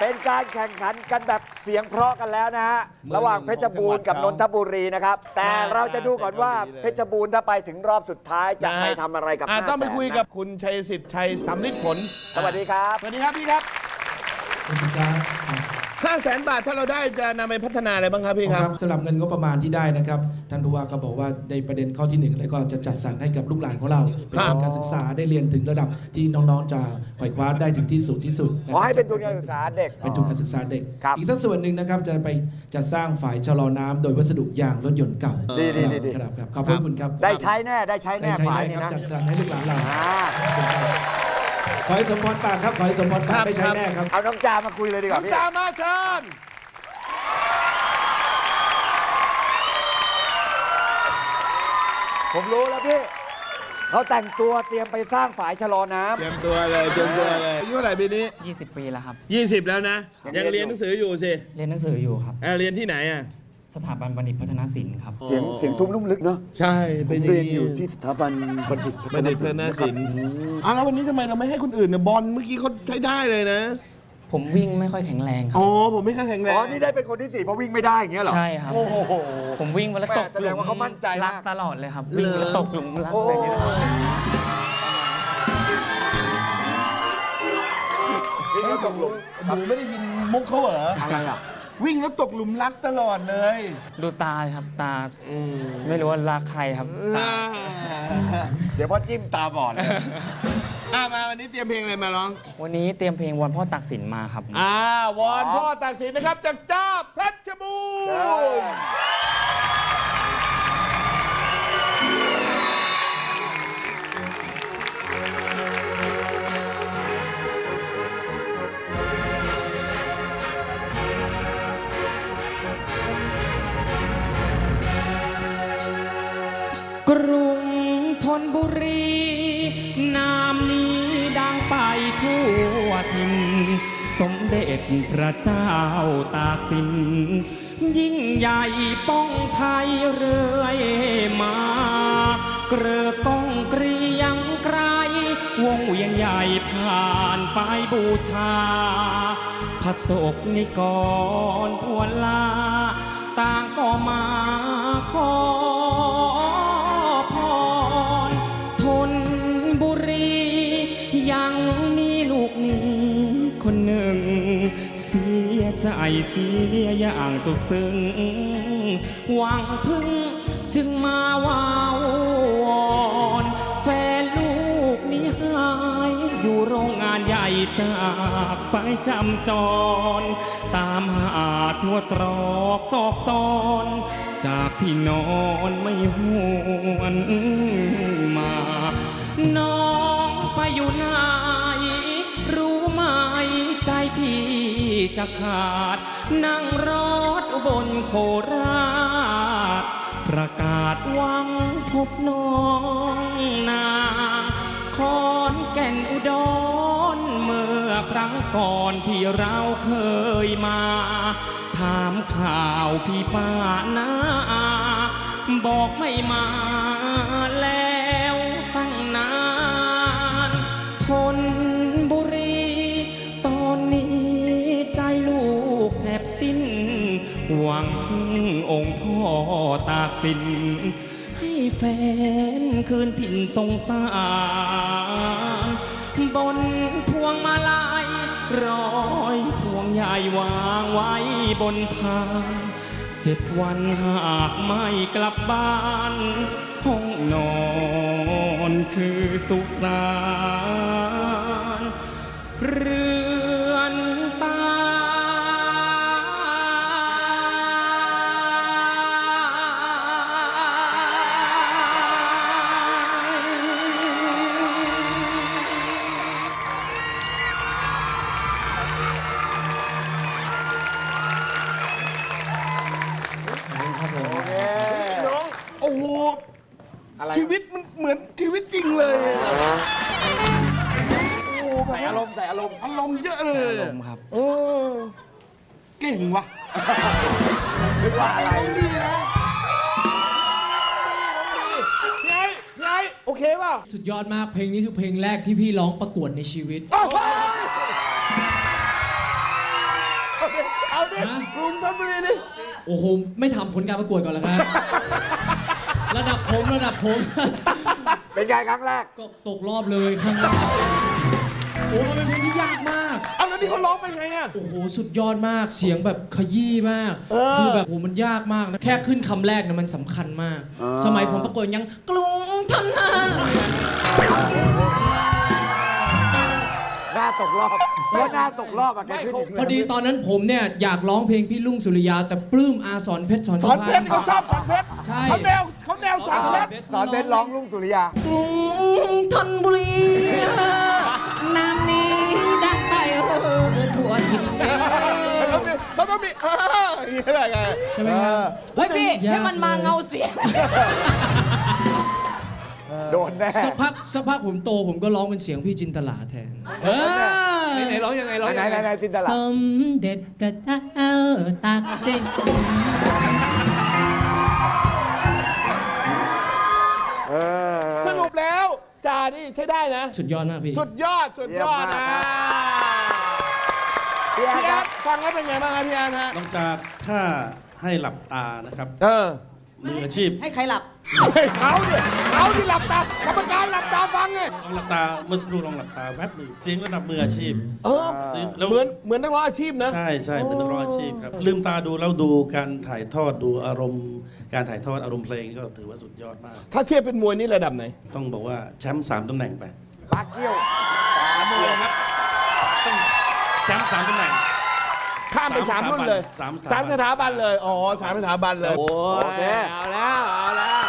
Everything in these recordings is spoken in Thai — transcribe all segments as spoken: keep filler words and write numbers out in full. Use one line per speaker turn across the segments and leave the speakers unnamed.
เป็นการแข่งขันกันแบบเสียงเพราะกันแล้วนะฮะระหว่างเพชรบูรณ์กับนนทบุรีนะครับแต่เราจะดูก่อนว่าเพชรบูรณ์ถ้าไปถึงรอบสุดท้ายจะไปทำอะไรกับห้าแสนต้องไปคุยกับคุณชัยสิทธิ์ชัยสำลิดผลสวัสดีครับสวัสดีครับพี่ครับ
สวัสดีครับ
ห้าแสนบาทถ้าเราได้จะนำไปพัฒนาอะไรบ้างครับพี่ครับ
สำหรับเงินงบประมาณที่ได้นะครับท่านผู้ว่าก็บอกว่าในประเด็นข้อที่หนึ่งแล้วก็จะจัดสรรให้กับลูกหลานของเราเป็นทุนการศึกษาได้เรียนถึงระดับที่น้องๆจะไขว่คว้าได้ถึงที่สุดที่สุด
ขอให้เป็นทุนการศึกษาเด็ก
เป็นทุนการศึกษาเด็กอีกสักส่วนหนึ่งนะครับจะไปจัดสร้างฝายชะลอน้ำโดยวัสดุยางรถยนต์เก่าครับครับขอบคุณครับ
ได้ใช้แน่ได้ใช้แน่
ฝายครับจัดสรรให้ลูกหลานเราขอให้สมพรปากครับขอให้สมพรปากได้ใช้แน่ครับ
เอาน้องจามาคุยเลยดีกว่า
น้องจามาเชิญ
ผมรู้แล้วพี่เขาแต่งตัวเตรียมไปสร้างฝายชะลอน้ำ
เตรียมตัวเลยเตรียมตัวเลยอายุเท่าไหร่ปีนี้
ยี่สิบปีแล้วครับ
ยี่สิบแล้วนะยังเรียนหนังสืออยู่สิ
เรียนหนังสืออยู่ครับ
เรียนที่ไหนอ่ะ
สถาบันบัณฑิตพัฒนศิลป์ครับ
เสียงเสียงทุ่มนุ่มลึกเนาะ
ใช่
เป็นเรียนอยู่ที่สถาบันบัณฑิต
พัฒนศิลป์อ่ะแล้ววันนี้ทำไมเราไม่ให้คนอื่นเนี่ยบอลเมื่อกี้เขาใช้ได้เลยนะ
ผมวิ่งไม่ค่อยแข็งแรงครับ
อ๋อผมไม่ค่อยแข็งแรง
อ๋อนี่ได้เป็นคนที่สี่เพราะวิ่งไม่ได้อย่างเงี้ยหรอ
ใช่ครับโอ้โหผมวิ่งแล้วตก
แสดงว่าเขามั่นใจ
รักตลอดเลยครับวิ่งแล้วตกหลุมรักอะไรอย่างเงี้ย
วิ่งแล้วตกหลุมหนูไม่ได้ยินมุกเขาเหรอ
อะไรอ่ะ
วิ่งแล้วตกหลุมรักตลอดเลย
ดูตาครับตาไม่รู้ว่ารักใครครับ
เดี๋ยวพ่อจิ้มตาบอดเลย
มาวันนี้เตรียมเพลงอะไรมาร้อง
วันนี้เตรียมเพลงวอนพ่อตากสินมาครับ
อ่าวอนพ่อตากสินนะครับจากจ้าเพชรบูรณ์
กรุงธนบุรีนามนี้ดังไปทั่วถิ่นสมเด็จพระเจ้าตากสินยิ่งใหญ่ป้องไทยเรื่อยมาเกลือก้องเกรียงไกรวงเวียนใหญ่ผ่านไปบูชาพระศกนิกรทั่วลาต่างก็มาขอคนหนึ่งเสียใจเสียอย่างสุดซึ้งหวังพึ่งจึงมาวาววอนแฟนลูกนี้หายอยู่โรงงานใหญ่จากไปจำจรตามหาทั่วตรอกซอกซอนจากที่นอนไม่หวนมาน้องไปอยู่ไหนรู้ไหมใจพี่จะขาดนั่งรถบนโคราชประกาศหวังพบน้องนาขอนแก่นอุดรเมื่อครั้งก่อนที่เราเคยมาถามข่าวพี่ป้านาบอกไม่มาแล้วตั้งนานทนบุรีตอนนี้ใจลูกแทบสิ้นหวังพึ่งองค์พ่อตากสินให้แฟนคืนถิ่นสงสารบนพวงมาลัยร้อยพวงใหญ่วางไว้บนพานเจ็ดวันหากไม่กลับบ้านห้องนอนคือสุสานเรือนตา
โอ้โหชีวิตมันเหมือนชีวิตจริงเลยโอ้
ใส่อารมณ์ใส่อารมณ์
อารมณ์เยอะเลย
อารมณ์ครับ
เออเก่งว่ะ
ไม่ว่าอะไร
ดีนะไงไงโอเคป่ะ
สุดยอดมากเพลงนี้คือเพลงแรกที่พี่ร้องประกวดในชีวิต
ดิกรุงธนบุรีดิ
โอ้โหไม่ทำผลการประกวดก่อนเหรอครับ ระดับผมระดับผม
เป็นไงครั้งแรก
ก็ตกรอบเลยครั้งแรกโอ้มันเป็นเพลงที่ยากมาก
เอาแล้วนี่เขาร้องเป็นไงอ่ะ
โอ้โหสุดยอดมากเสียงแบบขยี้มากคือแบบโอ้มันยากมากนะแค่ขึ้นคำแรกนะมันสำคัญมากสมัยผมประกวดยังกรุงธนบุรี
หน้าตกรอบเพราะหน้าตกรอบอะแกขึ้น
พอดีตอนนั้นผมเนี่ยอยากร้องเพลงพี่ลุงสุริยาแต่ปลื้มอาสอนเพชรสอน
สอนเพชรเขาชอบสอนเพชร
ใช่
เขาแนวเขาแนวสอนเพชร
สอนเพชรร้องลุงสุริยาก
รุงธนบุรีน้ำนี้ดังไปเออทั่วทิศ
เขาต้องมีเอออย่างไรไง
ใช่ไหมครับ
เฮ้ยพี่ให้มันมาเงาเสียง
โดนแน่
สักพักสักพักผมโตผมก็ร้องเป็นเสียงพี่จินตลาแทนเออไหนร้องยังไงร้อง
ไหนไหนไหนจินตลา
สมเด็จพระเจ้าตากสิน
สรุปแล้วจ่านี่ใช้ได้นะ
สุดยอดมากพี่
สุดยอดสุดยอดนะพี่แอนฟังแล้วเป็นไงบ้างครับพี่แอนฮะ
นอกจากถ้าให้หลับตานะครับ
เออ
มืออาชีพ
ให้ใครหลับ
เขาดิเขาที่หลับตากรรมการหลับตาฟังไง
ลองหลับตาเมื่อสักครู่ลองหลับตาแวบหนึ่งเสียงระดับมืออาชีพ
เออเหมือนเหมือนนักร้องอาชีพนะ
ใช่ใช่เป็นนักร้องอาชีพครับลืมตาดูแล้วดูการถ่ายทอดดูอารมณ์การถ่ายทอดอารมณ์เพลงก็ถือว่าสุดยอดมาก
ถ้าเทียบเป็นมวยนี่ระดับไหน
ต้องบอกว่าแชมป์สามตำแหน่งไป
ปากเกี้ยว
สามเลยครับต้องแชมป์สามตำแหน่ง
ข้ามไปสามรุ่นเลยสามสถาบันเลยอ๋อสามสถาบันเลย
โอเค
เอาแล้วเอาแล้ว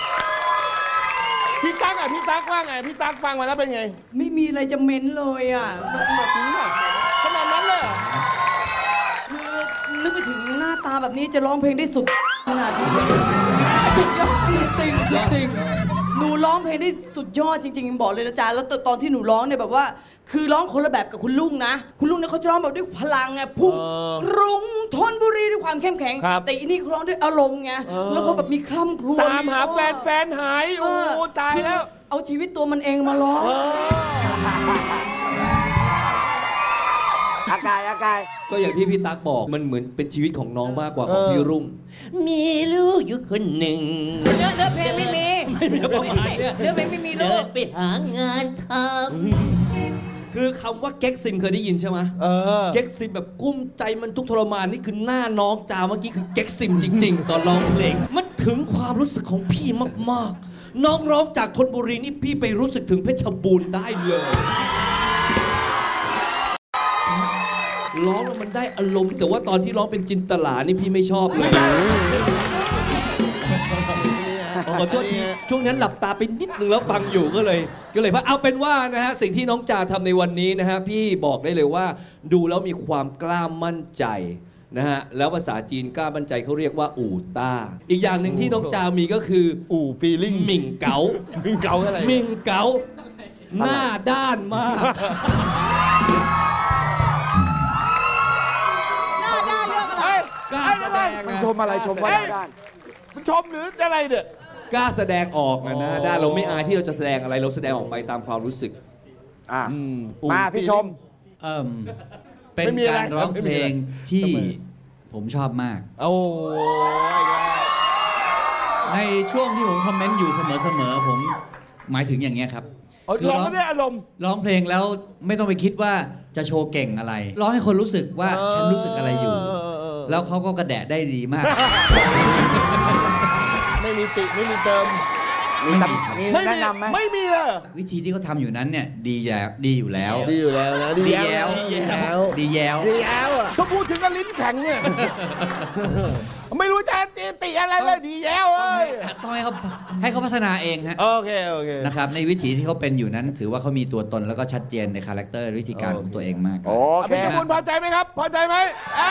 พี่ตั๊กอ่ะพี่ตั๊กว่าไงพี่ตั๊กฟังมาแล้วเป็นไง
ไม่มีอะไรจะเม้นเลยอ่ะแบบนี้แบบ
ขนาดนั้นเลย
คือนึกไปถึงหน้าตาแบบนี้จะร้องเพลงได้สุดขนาดนี้สุดยอดสุดติงสุดติงหนูร้องเพลงได้สุดยอดจริงๆบอกเลยนะจ๊ะแล้วตอนที่หนูร้องเนี่ยแบบว่าคือร้องคนละแบบกับคุณลุงนะคุณลุงเนี่ยเขาจะร้องแบบด้วยพลังไงพุ่งกรุงธนบุรีด้วยความเข้มแข็งแต่อันนี้เขาร้องด้วยอารมณ์ไงแล้วเขาแบบมีคล่ำครวญ
ตามหาแฟนแฟนหายโอ้ตายแล้ว
เอาชีวิตตัวมันเองมาร้อง
อากายอากาย
ก็อย่างที่พี่ตั๊กบอกมันเหมือนเป็นชีวิตของน้องมากกว่าของพี่รุ่งมีลูกอยู่คนหนึ่ง
เนื้อเนื้อเพลงไม่มี
ไม่มีประมาณนี้
เนื้อเพลงไม่มีลูก
ไปหางานทำคือคำว่าเก๊กซิมเคยได้ยินใช่ไหมเก๊กซิมแบบกุ้มใจมันทุกทรมานนี่คือหน้าน้องจาเมื่อกี้คือเก๊กซิมจริงๆตอนร้องเพลงมันถึงความรู้สึกของพี่มากๆน้องร้องจากธนบุรีนี่พี่ไปรู้สึกถึงเพชรบูรณ์ได้เลยร้องแล้วมันได้อารมณ์แต่ว่าตอนที่ร้องเป็นจินตลานี่พี่ไม่ชอบเลยขอโทษทีช่วงนั้นหลับตาไปนิดนึงแล้วฟังอยู่ก็เลยก็เลยว่าเอาเป็นว่านะฮะสิ่งที่น้องจาทำในวันนี้นะฮะพี่บอกได้เลยว่าดูแล้วมีความกล้ามั่นใจนะฮะแล้วภาษาจีนกล้ามั่นใจเขาเรียกว่าอู่ต้าอีกอย่างหนึ่งที่น้องจามีก็คือ
อู่ฟีลิ่ง
หมิ่งเก๋า
หมิ่งเก๋าอะไร
หมิ่งเก๋าหน้าด้านมาก
กล้าแสดง
มันชมอะไรชมว่าด้าน
มันชมหรืออะไรเนี่ย
กล้าแสดงออกนะนะด้านเราไม่อายที่เราจะแสดงอะไรเราแสดงออกไปตามความรู้สึก
อ่ามาพี่ชม
เอ่อเป็นการร้องเพลงที่ผมชอบมาก
โอ้
ในช่วงที่ผมคอมเมนต์อยู่เสมอๆผมหมายถึงอย่างเงี้ยครับ
คือร้องไม่ได้อารมณ์
ร้องเพลงแล้วไม่ต้องไปคิดว่าจะโชว์เก่งอะไรร้องให้คนรู้สึกว่าฉันรู้สึกอะไรอยู่แล้วเขาก็กระแดะได้ดีมาก
ไม่มีติไม่มีเติม
มีแนะนำไหม
ไม่มีเลย
วิธีที่เขาทำอยู่นั้นเนี่ยดีแล้วดีอยู่แล้ว
ดีอยู่แล้วนะ
ดีแล้วดีแล้วดีแล้ว
ดีแล้วเขาพูดถึงกับลิ้นแข็งเนี่ยไม่รู้จะตีติอะไรเลยดีแล้วเอ้ย
ต้องให้เขาให้เขาพัฒนาเองฮะ
โอเคโอเค
นะครับในวิถีที่เขาเป็นอยู่นั้นถือว่าเขามีตัวตนแล้วก็ชัดเจนในคาแรคเตอร์วิธีการของตัวเองมาก
โอเคพี่บุญพอใจไหมครับพอใจไหม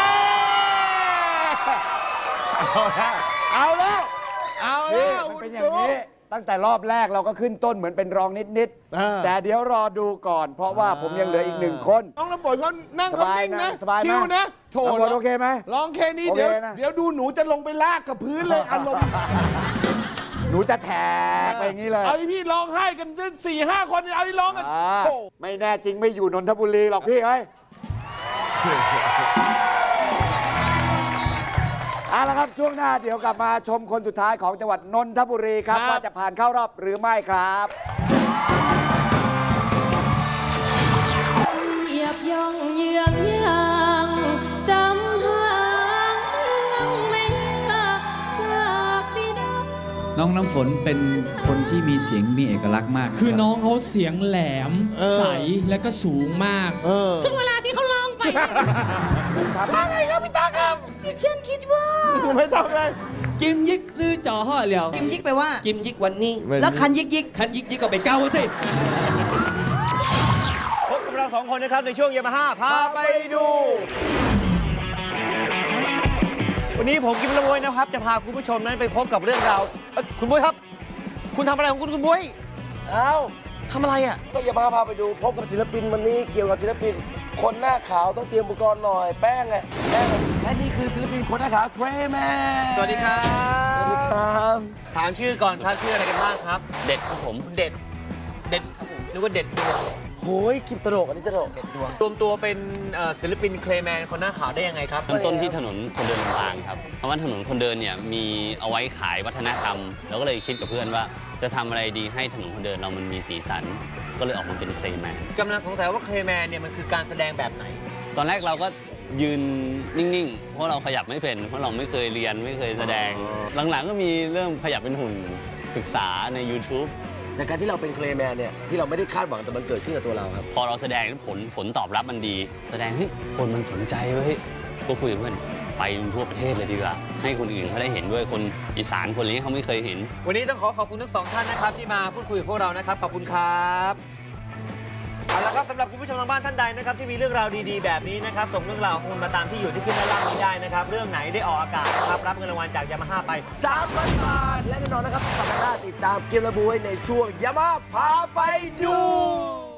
เอาแล้วเอาแล้ว
มันเป็นอย่างนี้ตั้งแต่รอบแรกเราก็ขึ้นต้นเหมือนเป็นรองนิดๆแต่เดี๋ยวรอดูก่อนเพราะว่าผมยังเหลืออีกหนึ่งคน
น้องน้ำฝนเขานั่งคำนิ่งนะชิวนะโถ
โอเคไหม
ร้องแค่นี้เดี๋ยวเดี๋ยวดูหนูจะลงไปลากกับพื้นเลยอารมณ์
หนูจะแถกไปอย่างนี้เลย
เอาพี่ร้องไห้กันสี่ห้าคนเอาพี่ร้องกัน
ไม่แน่จริงไม่อยู่นนทบุรีหรอกพี่เอ้ยเอาละครับช่วงหน้าเดี๋ยวกลับมาชมคนสุดท้ายของจังหวัดนนทบุรีครับ
ครับ
ว่าจะผ่านเข้ารอบหรือไม่ครับ
เหยียบย่องเยือกยางจำหางไม่ยากจากบิดา
น้องน้ำฝนเป็นคนที่มีเสียงมีเอกลักษณ์มาก
คือ
รับ
น้องเขาเสียงแหลมใสและก็สูงมาก
เออ
ซึ่งเวลาที่เขาร้องไป
ว่าไงครับพี่ตาครับ
คือฉันคิดว่า
ไม่ต้องเลย
กิมยิกหรือจ่อห่อเหลียว
กิมยิกไปว่า
กิมยิกวันนี้
แล้วคันยิกยิก
คันยิกยิกก็ไปเก้าสิ
พบกับเราสองคนนะครับในช่วงยามาฮ่าพาไปดู วันนี้ผมกิมละโวยนะครับ จะพาคุณผู้ชมนั้นไปพบกับเรื่องราวเอ้ยคุณบุ้ยครับ คุณทำอะไรของคุณคุณบุ้ย
อ้าว
ทำอะไรอ่ะ
ก็อย่ามาพาไปดูพบกับศิลปินวันนี้เกี่ยวกับศิลปิน คนหน้าขาวต้องเตรียมอุปกรณ์หน่อยแป้งไงแป้งและนี่คือศิลปินคนหน้าขาวเทรแมน
สวัสดีครับ
สวัสดีครับ
ถามชื่อก่อนครับชื่ออะไรกันบ้างครับ เด็ดครับผมเด็ด เด็ดนึกว่าเด็ดดวง
โหยคลิปตลกอันนี้ตลก
เด็ดดวงรวมตัวเป็นเอ่อศิลปินเคลแมนคนหน้าขาวได้ยังไงครับ
เริ่มต้นที่ถนนคนเดินลำปางครับ เพราะว่าถนนคนเดินเนี่ยมีเอาไว้ขายวัฒนธรรม เราก็เลยคิดกับเพื่อนว่าจะทำอะไรดีให้ถนนคนเดินเรามันมีสีสัน ก็เลยออกมาเป็นเคลแมน
กำลังสงสัยว่าเคลแมนเนี่ยมันคือการแสดงแบบไหน
ตอนแรกเราก็ยืนนิ่งๆ เพราะเราขยับไม่เป็น เพราะเราไม่เคยเรียนไม่เคยแสดง หลังๆก็มีเริ่มขยับเป็นหุ่นศึกษาใน YouTube
จากการที่เราเป็นเคลแมนเนี่ยที่เราไม่ได้คาดหวังแต่มันเกิดขึ้นกับตัวเราครับ
พอเราแสดงผลผลตอบรับมันดี แสดงเฮ้ยคนมันสนใจเว้ยก็คุยกับเพื่อนไปทั่วประเทศเลยดีกว่าให้คนอื่นเขาได้เห็นด้วยคนอีสานคนนี้เขาไม่เคยเห็น
วันนี้ต้องขอขอบคุณทั้งสองท่านนะครับที่มาพูดคุยกับพวกเรานะครับขอบคุณครับเอาละครับสำหรับคุณผู้ชมทางบ้านท่านใดนะครับที่มีเรื่องราวดีๆแบบนี้นะครับส่งเรื่องราวของคุณมาตามที่อยู่ที่ขึ้นด้านล่างนี้ได้นะครับเรื่องไหนได้ออกอากาศนะครับรับเงินรางวัลจากยามาฮ่าไป
สามพันบาทและแน่นอนนะครับสัปดาห์หน้าติดตามเกมระบุไว้ในช่วงยามาพาไปดู